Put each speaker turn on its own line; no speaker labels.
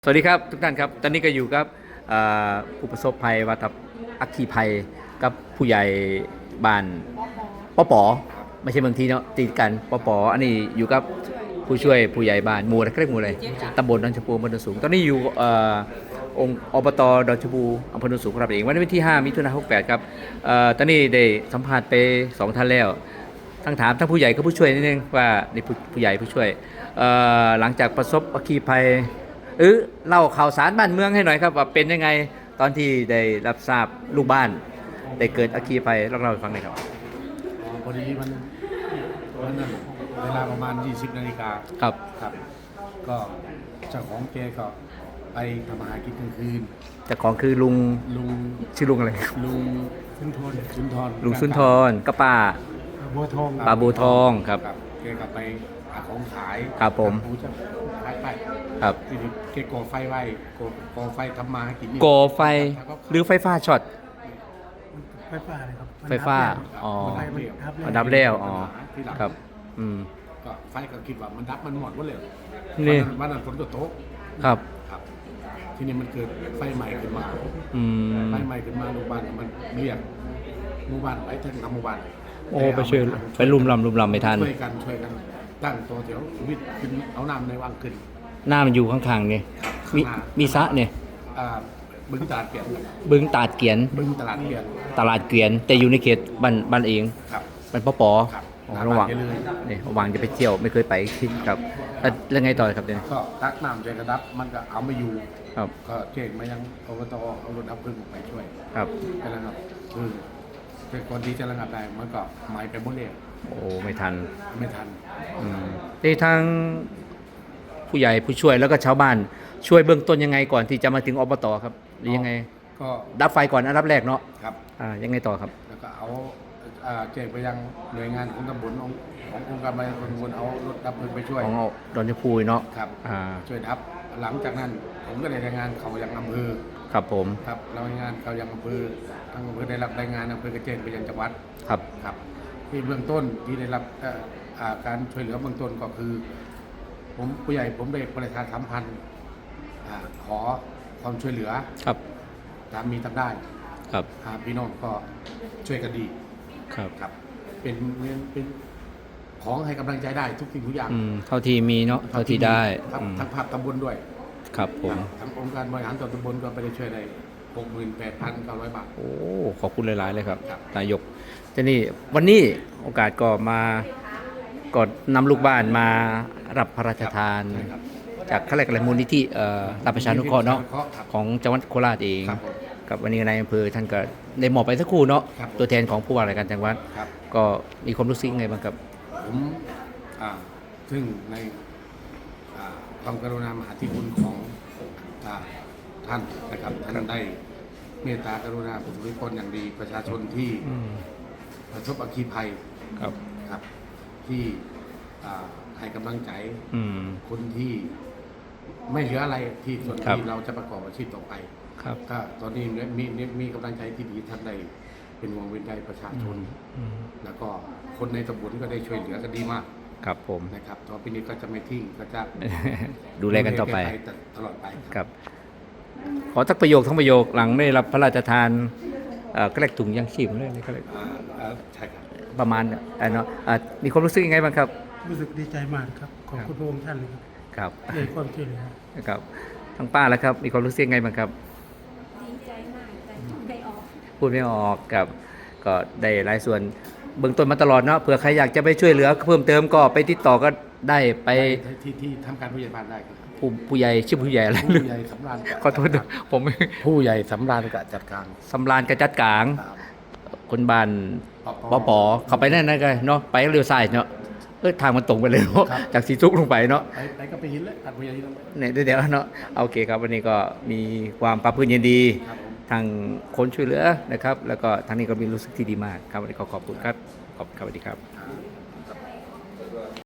สวัสดีครับทุกท่านครับตอนนี้ก็อยู่กับผู้ประสบภัยวัฏอัคคีภัยกับผู้ใหญ่บ้านปอปอไม่ใช่เมืองทีเนาะติดกันปอปออันนี้อยู่กับผู้ช่วยผู้ใหญ่บ้านหมู่อะไรเรียกหมู่อะไรตำบลดอนชมพูอำเภอโนนสูงตอนนี้อยู่องค์อบตดอนชมพูอำเภอโนนสูงครับเองวันนี้วันที่5 มิถุนายน 68ครับตอนนี้ได้สัมภาษณ์ไป2 ท่านแล้วทั้งถามทั้งผู้ใหญ่กับผู้ช่วยนิดนึงว่าในผู้ใหญ่ผู้ช่วยหลังจากประสบอัคคีภัยเล่าข่าวสารบ้านเมืองให้หน่อยครับว่าเป็นยังไงตอนที่ได้รับทราบลูกบ้านได้เกิดอัคคีภัยเล่าให้ฟังหน่อยครับ
พอดีมันวันนั้นเวลาประมาณ 20 นาฬิกา
ครับ
ครับก็เจ้าของแกก็ไปทำอาหารกินกลางคืน
แต่ของคือลุงชื่อลุงอะไร
ลุงสุนทร
ลุงสุนทรก็ป้า
บัวทอง
ป้าบัวทองครับ
แกก็ไปหาของขาย
ครับผม
จะขายไป
ครับ
ทีนี้แกก่อไฟไว้ก่อไฟทำมาให้กิน
ก่อไฟหรือไฟฟ้าช็อต
ไฟฟ้าเลยครับ
ไฟฟ้าอ๋อมันดับแล้วอ๋อครับ
ก็ไฟก็คิดว่ามันดับมันหมดว่าเลย
นี่
วันนั้นฝนก็ตก
ครับ
ทีนี้มันเกิดไฟใหม่ขึ้นมาไฟใหม่ขึ้นมาหมู่บ้านมันเรียกหมู่บ้านไปทั้งหมู่บ้าน
โอ้ไปช่วยไปลุมลำไม่ทัน
ช่วยกันตั้งตัวแถววิทย์ขึ้นเอาน้ำในวังขึ้น
น้ำมันอยู่ข้างๆเนี่ยมีสระเนี่ย
บึงตลาดเกียน
บึงตลาดเกียนตลาดเกียนแต่อยู่ในเขตบ้านเองบ้านปอระหว่างนี่ระหว่างจะไปเที่ยวไม่เคยไปที่ครับแล้วไงต่อครับเนี่ย
ก็ตักน้ำใจกระดับมันก็เอาไม่อยู่
ครับ
ก็เจ๊งมายังอบตเอารถดับเพลิงไปช่วย
ครับ
ไปแล้วครับเป็นคนที่จะระงับได้มันก็หมายไปหมดเลย
โอ้ไม่ทันที่ทางผู้ใหญ่ผู้ช่วยแล้วก็ชาวบ้านช่วยเบื้องต้นยังไงก่อนที่จะมาถึงอบตครับหรือยังไง
ก็
ดับไฟก่อนอันดับแรกเนาะ
ครับ
ยังไงต่อครับ
แล้วก็เอาแจ้งไปยังหน่วยงานของตำบลขององค์การบริหารส่วนตำบลเอารถดับเพลิงไปช่วย
ของดอนชมพูเนาะ
ครับช่วยดับหลังจากนั้นผมก็ได้รายงานเขายังอำเภอ
ครับผม
ครับรายงานเขายังอำเภอทางอำเภอได้รับรายงานอำเภอกระเจนไปยังจังหวัดครับที่เบื้องต้นที่ได้รับการช่วยเหลือเบื้องต้นก็คือผมผู้ใหญ่ผมได้ประชาสัมพันธ์ขอความช่วยเหลือ
ครับ
ตามมีทำได้
ครับ
พี่น้องก็ช่วยกันดี
ครับ
เป็นของให้กำลังใจได้ทุกสิ่งทุกอย่าง
เท่าที่มีเนาะเท่าที่ได้
ทั้งภาพตำบลด้วย
ครับผม
ทั้งองค์การบริหารส่วนตำบลก็ไปได้ช่วยได้ 68,900 บาท
โอ้ขอบคุณหลายๆเลยครับนายกทีนี้วันนี้โอกาสก็มาก็นำลูกบ้านมารับพระราชทานจากข้าราชการมูลนิธิรับประชานุเคราะห์เนาะของจังหวัดโคราชเองกับวันนี้นายอำเภอท่านก็ได้มอบไปสักครู่เนาะตัวแทนของผู้ว่าราชการจังหวัดก็มีความรู้สึกไงบ้างครับ
ผมซึ่งในความกรุณามหาธิคุณของท่านนะครับท่านได้เมตตากรุณาผู้ทุกคนอย่างดีประชาชนที่ประสบอัคคีภัยครับที่ให้กำลังใจคนที่ไม่เหลืออะไรที่ส่วนที่เราจะประกอบอาชีพต่อไปก็ตอนนี้มีกำลังใจที่ดีท่านได้เป็นห่วงเป็นใยประชาชนแล้วก็คนในตำบลก็ได้ช่วยเหลือกันดีมาก
ครับผม
นะครับต่อไปนี้ก็จะไม่ทิ้งก็จะ
ดูแลกันต่อไป
ตลอดไป
ครับขอทักประโยคทั้งประโยคหลังได้รับพระราชทานก็เรียกถุงยังชีพเลยก็เลย
ใช่ครับ
ประมาณเนาะมีความรู้สึกยังไงบ้างครับ
รู้สึกดีใจมากครับขอบคุณพระองค์ท่าน
ครับ
ในความช่วยเหลือ
ครับทั้งป้าแล้วครับมีความรู้สึกยังไงบ้างครับ
ดีใจมากแต่
พูดไม่ออกกับก็ได้หลายส่วนเบื้องต้นมาตลอดเนาะเผื่อใครอยากจะไปช่วยเหลือเพิ่มเติมก็ไปติดต่อก็ได้ไป
ที่ทำการผู้ใหญ่บ้านได้ครับ
ผู้ใหญ่ชื่อผู้ใหญ่อะไร
ผู้ใหญ่สำราญ
ขอโทษผม
ผู้ใหญ่สำราญกับจัดการ
สำราญกับจัดกลางคนบ้านปอเข้าไปนั่นกันเนาะไปเรือทรายเนาะทางมันตรงไปเลยเนาะจากสีทุกลงไปเนาะ
ไปก็ไปหินเลยผู้ใหญ่
เนี่ยเดี๋ยวเนาะโอเคครับวันนี้ก็มีความปราบปลื้มยินดีทางคนช่วยเหลือนะครับแล้วก็ทางนี้ก็มีรู้สึกที่ดีมากครับวันนี้ขอบคุณครับสวัสดีครับ